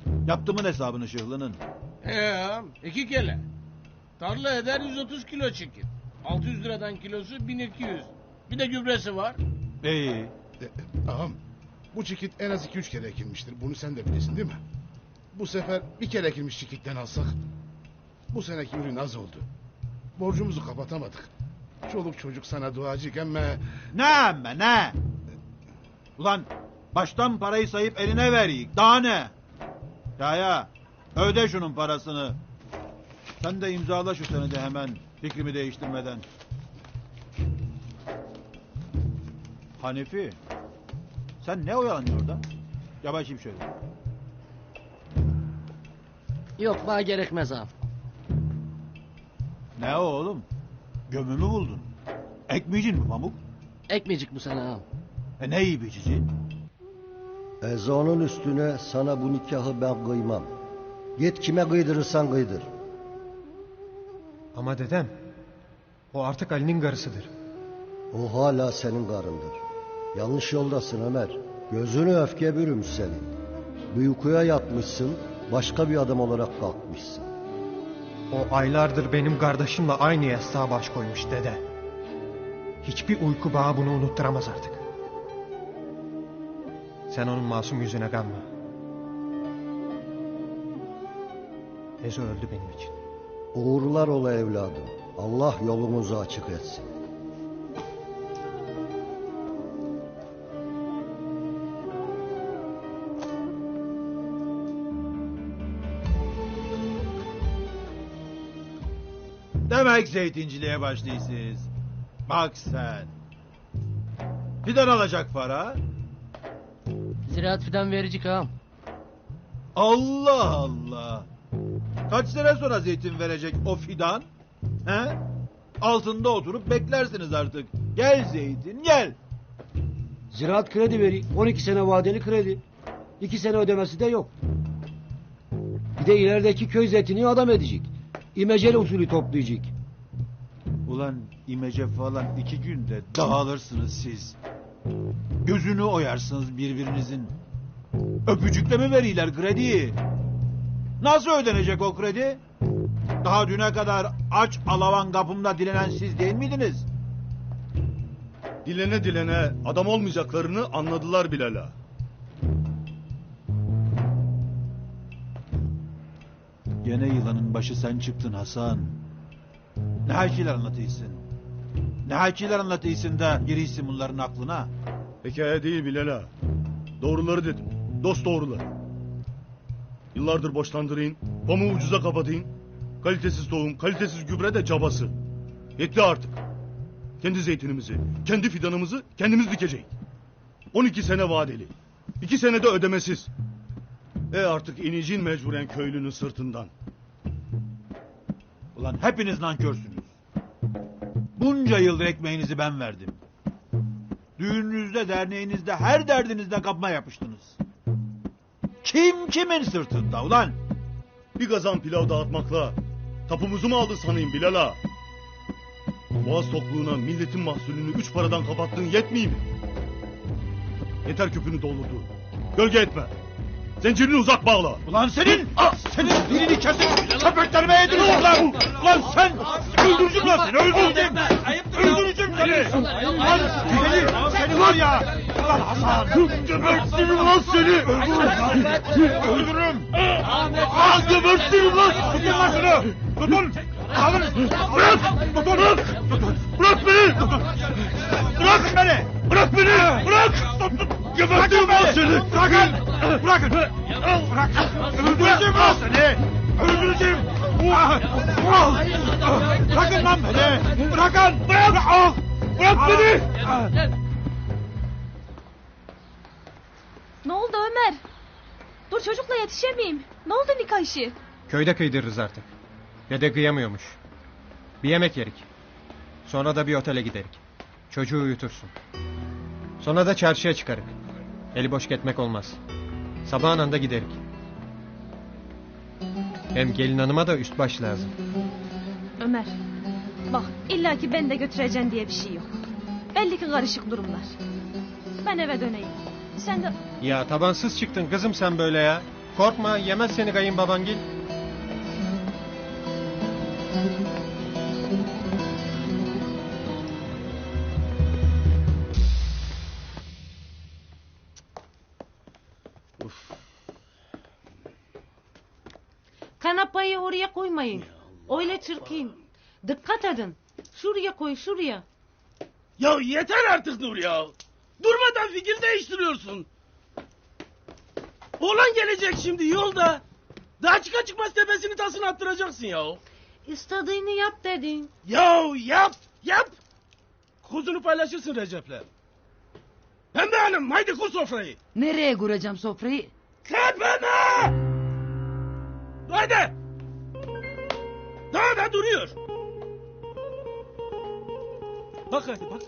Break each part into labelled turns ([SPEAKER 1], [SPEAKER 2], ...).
[SPEAKER 1] Yaptımın hesabını Şıhlı'nın.
[SPEAKER 2] Ağam 2 kele. Tarla eder 130 kilo çekir. 600 liradan kilosu 1200. Bir de gübresi var.
[SPEAKER 1] İyi.
[SPEAKER 3] Ağam bu çikit en az 2-3 kere ekilmiştir. Bunu sen de bilirsin değil mi? Bu sefer bir kere ekilmiş çikitten alsak. Bu seneki ürün az oldu. Borcumuzu kapatamadık. Çoluk çocuk sana duacık ama...
[SPEAKER 1] Ne? Ulan baştan parayı sayıp eline vereyik. Daha ne? Ya öde şunun parasını. Sen de imzala şu senedi hemen. Fikrimi değiştirmeden. Hanefi. Sen ne oyalanıyorsun orada? Yavaşayım şöyle.
[SPEAKER 4] Yok bana gerekmez ağam.
[SPEAKER 1] Ne o oğlum? Gömümü buldun. Ekmeyeceksin mi pamuk?
[SPEAKER 4] Ekmeyecek bu sene ağam.
[SPEAKER 1] Ne iyi biçici?
[SPEAKER 5] Ezanın üstüne sana bu nikahı ben kıymam. Git kime kıydırırsan kıydır.
[SPEAKER 6] Ama dedem, o artık Ali'nin karısıdır.
[SPEAKER 5] O hala senin karındır. Yanlış yoldasın Ömer. Gözünü öfke bürümüş senin. Bir uykuya yatmışsın, başka bir adam olarak kalkmışsın.
[SPEAKER 6] O aylardır benim kardeşimle aynı yastığa baş koymuş dede. Hiçbir uyku bana bunu unutturamaz artık. Sen onun masum yüzüne kanma. Ezo öldü benim için.
[SPEAKER 5] Uğurlar ola evladım. Allah yolumuzu açık etsin.
[SPEAKER 1] Demek zeytinciliğe başlıyorsunuz. Bak sen. Fidan alacak para.
[SPEAKER 4] Ziraat fidan verecek ağam.
[SPEAKER 1] Allah Allah. Kaç sene sonra zeytin verecek o fidan? He? Altında oturup beklersiniz artık. Gel zeytin gel.
[SPEAKER 7] Ziraat kredi veri. 12 sene vadeli kredi. 2 sene ödemesi de yok. Bir de ilerideki köy zeytini adam edecek. İmeceli usulü toplayacak.
[SPEAKER 1] Ulan imece falan 2 günde dağılırsınız siz. Gözünü oyarsınız birbirinizin. Öpücükle mi veriyorlar krediyi? Nasıl ödenecek o kredi? Daha düne kadar aç alavan kapımda dilenen siz değil miydiniz?
[SPEAKER 8] Dilene dilene adam olmayacaklarını anladılar Bilal'a.
[SPEAKER 1] Gene yılanın başı sen çıktın Hasan. Ne hakiler anlatıyorsun? Ne hakiler anlatıyorsun da giriysin bunların aklına?
[SPEAKER 8] Hikaye değil Bilal'a. Doğruları dedim. Dost doğruları. Yıllardır borçlandırayım, pamuğu ucuza kapatayım. Kalitesiz tohum, kalitesiz gübre de cabası. Yetti artık. Kendi zeytinimizi, kendi fidanımızı kendimiz dikeceğiz. 12 sene vadeli. 2 senede ödemesiz. Artık ineceğin mecburen köylünün sırtından.
[SPEAKER 1] Ulan hepiniz nankörsünüz. Bunca yıldır ekmeğinizi ben verdim. Düğününüzde, derneğinizde, her derdinizde kapma yapıştınız. Kim kimin sırtında ulan?
[SPEAKER 8] Bir kazan pilav dağıtmakla tapumuzu mu aldın sanayım Bilal'a? Boğaz tokluğuna milletin mahsulünü 3 paradan kapattığın yetmiyor mi? Yeter küpünü doldurdu. Gölge etme. Zincirini uzak bağla.
[SPEAKER 1] Ulan senin dilini kesip köpeklerime yedirirsin lan. Ulan sen öldüreceğim lan seni öldüreceğim. Öldüreceğim seni. Ulan seni var ya. Ulan Hasan.
[SPEAKER 8] Gebertirim lan seni.
[SPEAKER 1] Öldürürüm.
[SPEAKER 8] Gebertirim lan.
[SPEAKER 1] Tutun lan şunu. Tutun. Alın.
[SPEAKER 8] Bırak.
[SPEAKER 1] Tutun.
[SPEAKER 8] Bırak beni.
[SPEAKER 1] Bırakın beni.
[SPEAKER 8] Bırak beni. Bırak. Gebertirim lan seni.
[SPEAKER 1] Bırakın. Bırakın. Bırakın. Öldüreceğim lan seni. Öldüreceğim. Bırakın lan beni. Bırakın.
[SPEAKER 8] Bırak beni.
[SPEAKER 9] Ne oldu Ömer? Dur çocukla yetişemeyeyim. Ne oldu nikah işi?
[SPEAKER 6] Köyde kıydırırız artık. Dede kıyamıyormuş. Bir yemek yerik. Sonra da bir otele giderik. Çocuğu uyutursun. Sonra da çarşıya çıkarık. Eli boş gitmek olmaz. Sabahın anda giderik. Hem gelin hanıma da üst baş lazım.
[SPEAKER 9] Ömer bak illaki ben de götüreceğim diye bir şey yok. Belli ki karışık durumlar. Ben eve döneyim. Sen de...
[SPEAKER 6] Ya tabansız çıktın kızım sen böyle ya. Korkma, yemez seni kayınbabangil.
[SPEAKER 10] Kanapayı oraya koymayın. Öyle çirkin. Dikkat edin. Şuraya koy, şuraya.
[SPEAKER 2] Ya yeter artık Nur ya. Durmadan fikir değiştiriyorsun. Oğlan gelecek şimdi yolda. Daha çıka çıkmaz tepesini tasını attıracaksın ya.
[SPEAKER 10] İstediğini yap dedin.
[SPEAKER 2] Ya yap. Kuzunu paylaşırsın Recep'le. Pembe Hanım haydi kur sofrayı.
[SPEAKER 11] Nereye kuracağım sofrayı?
[SPEAKER 2] Tepeme! Haydi. Daha da duruyor. Bak hadi bak.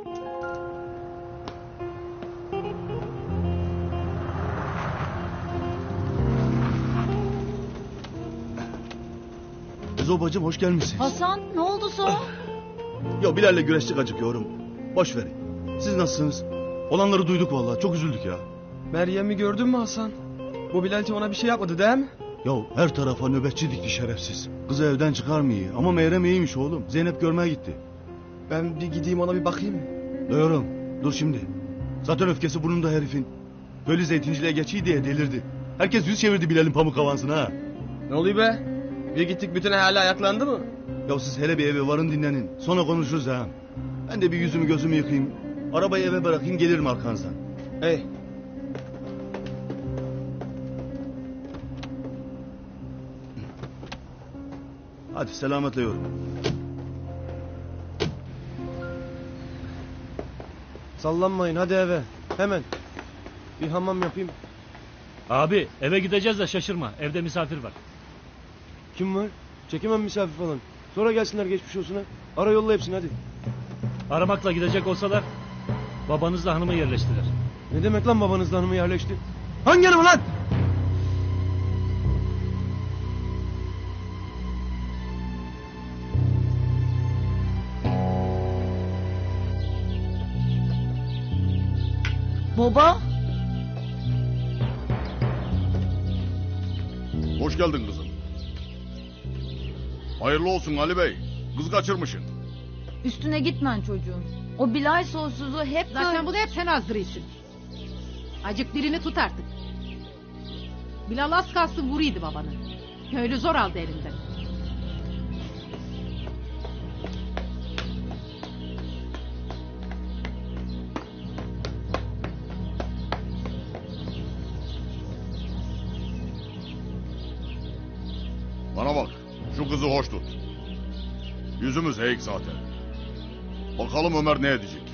[SPEAKER 8] Ezo bacım hoş gelmişsiniz.
[SPEAKER 11] Hasan ne oldu son?
[SPEAKER 8] Ya Bilal'le güreştik acıkıyorum. Boş verin. Siz nasılsınız? Olanları duyduk vallahi. Çok üzüldük ya.
[SPEAKER 6] Meryem'i gördün mü Hasan? Bu Bilal'ci ona bir şey yapmadı değil mi?
[SPEAKER 8] Ya her tarafa nöbetçi dikti şerefsiz. Kızı evden çıkarmıyor. Ama Meyrem iyiymiş oğlum. Zeynep görmeye gitti.
[SPEAKER 6] Ben bir gideyim ona bir bakayım mı?
[SPEAKER 8] Diyorum. Dur şimdi. Zaten öfkesi burnunda herifin. Böyle zeytinciliğe geçiyor diye delirdi. Herkes yüz çevirdi Bilal'in pamuk avansına ha.
[SPEAKER 6] Ne oluyor be? Bir gittik bütün ahali ayaklandı mı?
[SPEAKER 8] Ya siz hele bir eve varın dinlenin. Sonra konuşuruz ha. Ben de bir yüzümü gözümü yıkayayım. Arabayı eve bırakayım gelirim arkanızdan.
[SPEAKER 6] Hey.
[SPEAKER 8] Hadi selametle yorum.
[SPEAKER 6] Sallanmayın hadi eve. Hemen. Bir hamam yapayım.
[SPEAKER 12] Abi eve gideceğiz de şaşırma. Evde misafir var.
[SPEAKER 6] Kim var? Çekemem misafir falan. Sonra gelsinler geçmiş olsun ha. Ara yolla hepsini hadi.
[SPEAKER 12] Aramakla gidecek olsalar babanızla hanımı yerleştiler.
[SPEAKER 6] Ne demek lan babanızla hanımı yerleşti? Hangi hanımı lan?
[SPEAKER 11] Baba?
[SPEAKER 13] Hoş geldin kızım. Hayırlı olsun Ali Bey. Kız kaçırmışsın.
[SPEAKER 11] Üstüne gitmen çocuğun. O Bilal soysuzu hep
[SPEAKER 14] Zaten bunu hep sen azdırıyorsun. Acık birini tut artık. Bilal az kalsın vuruydu babanı. Öyle zor aldı elinden.
[SPEAKER 13] Bana bak. Şu kızı hoş tut. Yüzümüz eğik zaten. Bakalım Ömer ne edecek.